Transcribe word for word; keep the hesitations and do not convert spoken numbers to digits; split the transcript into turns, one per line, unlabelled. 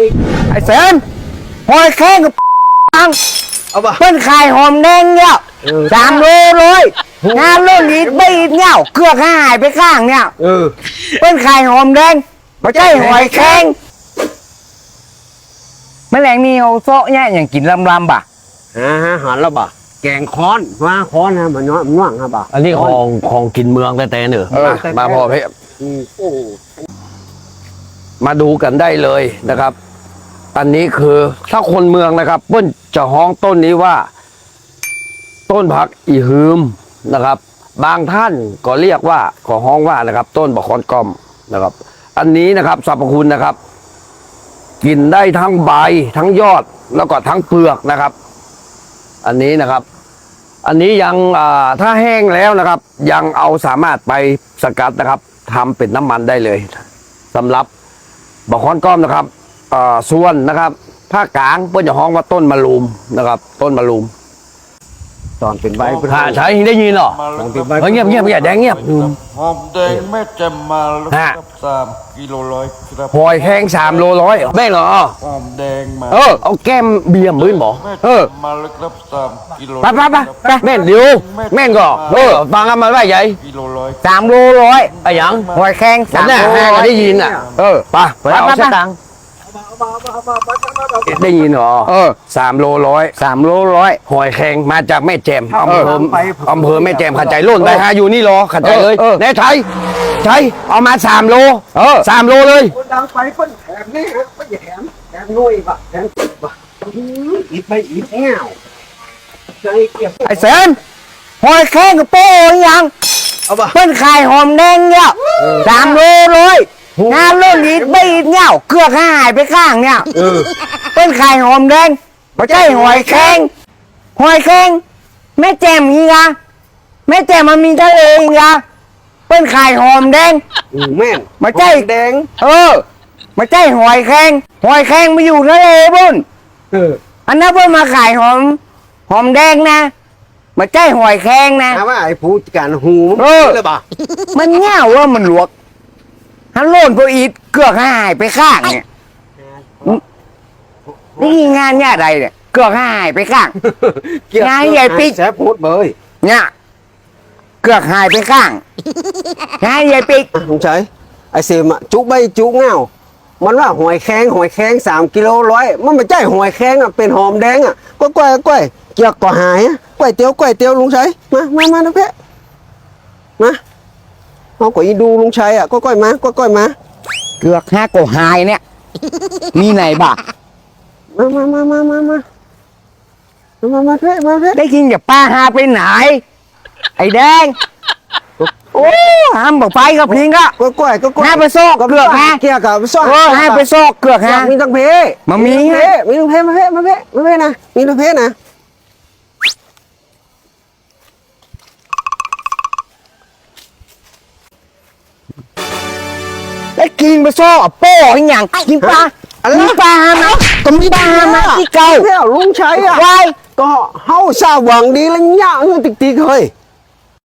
ไอ้เสนหอยแครงกับปังเอาปะเพิ่นขายหอมแดงเนี่ยสามโลเลยงานเรื่องนี้ไม่อีกเนี่ยเกลือหายไปข้างเนี่ยเออเพิ่นขายหอมแดงไม่ใช่หอยแครงแมลงนี่เอาโซ่เนี่ยอย่างกินลำลำบ่ะ
ฮะฮะหันแล้วบ่แกงค้อนว่าค้อนนะมันน้อยมันน่วงครับบ่
อันนี้ของของกินเมืองแต่แต่เนอะมาพอพี่มาดูกันได้เลยนะครับ อันนี้คือถ้าคนเมืองนะครับเปิ้นจะฮ้องต้นนี้ว่า ต้นผักอีฮืมนะครับ บางท่านก็เรียกว่าก็ฮ้องว่านะครับ ต้นบะคอนกอมนะครับ อันนี้นะครับสรรพคุณนะครับ กินได้ทั้งใบทั้งยอดแล้วก็ทั้งเปลือกนะครับ อันนี้นะครับ อันนี้ยังถ้าแห้งแล้วนะครับ ยังเอาสามารถไปสกัดนะครับทำเป็นน้ำมันได้เลยสำหรับบะคอนก้อมนะครับส่วนนะครับภาคกลางเพื่อนจะฮ้องว่าต้นมะลูมนะครับ ต้นมะลูม
ตอนเป็นใบ
ถ้าใช้ได้ยินหรอเงียบเงียบอย่าแดงเงียบ
หอมแดงแม่จำมาแล้วครับสามกิโลร้อยครับ
หอยแห้งสามโลร้อยแม่เหรอ
หอมแดงมา
เออเอาแก้มเบียร์มือบอกเออ
มาแล้วครับสามกิโล
ไปไปไปไปแม่นเดียวแม่นก็เออฟังกันมาว่าใหญ่
กิโลร้อย
สามโลร้อย
ไอ้ยัง
หอยแข้งสามโลร้อย
ได้ยินอ่ะเออไปไปเอาเส้นตังได้ยินเหรอเออสามโลร้อย
สามโลร้อย
หอยแข็งมาจากแม่แจ่มอำเภออำเภอแม่แจ่มขัดใจโล่นไปหาอยู่นี่รอขัดใจเลยแน่ใช่ใช่เอามาสามโลเออสามโลเลย
ดังไปคนแถมนี่ฮะไม่แถมแถมนุ้ยปะแถมปะอีกไปอีกแง่ว
ไอ้เสนหอยแข้งกับโป้ยังเอาปะเพิ่นขายหอมแดงเนี่ยสามโลเลยงานเรื่องนี้ไม่อีกเนี่ยเกลือหายไปข้างเนี่ยเพิ่นขายหอมแดงไม่ใช่หอยแข้งหอยแข้งแม่แจ่มอีกอะแม่แจ่มมันมีทะเลอีกอะเพิ่นขายหอมแดง
แม่น
ไม่ใช่
แดง
เออไม่ใช่หอยแข้งหอยแข้งมาอยู่ทะเลบุ่น
เออ
อันนั้นเพิ่นมาขายหอมหอมแดงนะไม่ใช่หอยแข้งนะ
ถามว่าไอ้ผู้การหู
เออมันเง่าว่ามันหลวกฮัลโหลนพออีทเกลือกหายไปข้างเนี่ยนี่งานเนี่ยอะไรเนี่ยเกลือกหายไปข้างงานใหญ่ปิ๊ก
แสบพูดเบย
เนี่ยเกลือกหายไปข้างงานใหญ่ปิ๊ก
ลุงชัยไอเสมจุใบจุเงามันว่าหอยแข้งหอยแข้งสามกิโลร้อยมันไม่ใช่หอยแข้งอ่ะเป็นหอมแดงอ่ะก้อยก้อยก้อยเกี่ยวกับหายอ่ะก้อยเตี๋ยวก้อยเตี๋ยวลุงชัยมามามานะเพ่มาเอาก้อยดูลุงชัยอ่ะก้อยก้อยมาก้อยก้อยมา
เกลือกห้าโกหายเนี่ยมีไหนบ้า
มามามามามามามามาเพ่มาเพ่
ได้กินจากป้าหาไปไหนไอ้แดงโอ้ห้ามบอกไปกับพิงก็
ก้อยก้อยก้อย
ห้าไปโซกเกลือกฮะ
เกี่ยวกับโซก
เออห้าไปโซกเกลือกฮะ
มีตั้งเพ
มามี
เพมีตั้งเพมาเพ่มาเพ่มาเพ่นะมีตั้งเพนะ
ได้กินไปโซ่โป้ยอย่างกินปลามีปลาหามาก็มีปลาหามาที่เก่า
เที่ยวลุงชัยอ่ะ
ไว้
ก็เฮาสาหวังดีแล้วเนี่ยเงินติ๊กติ๊กเฮ้ย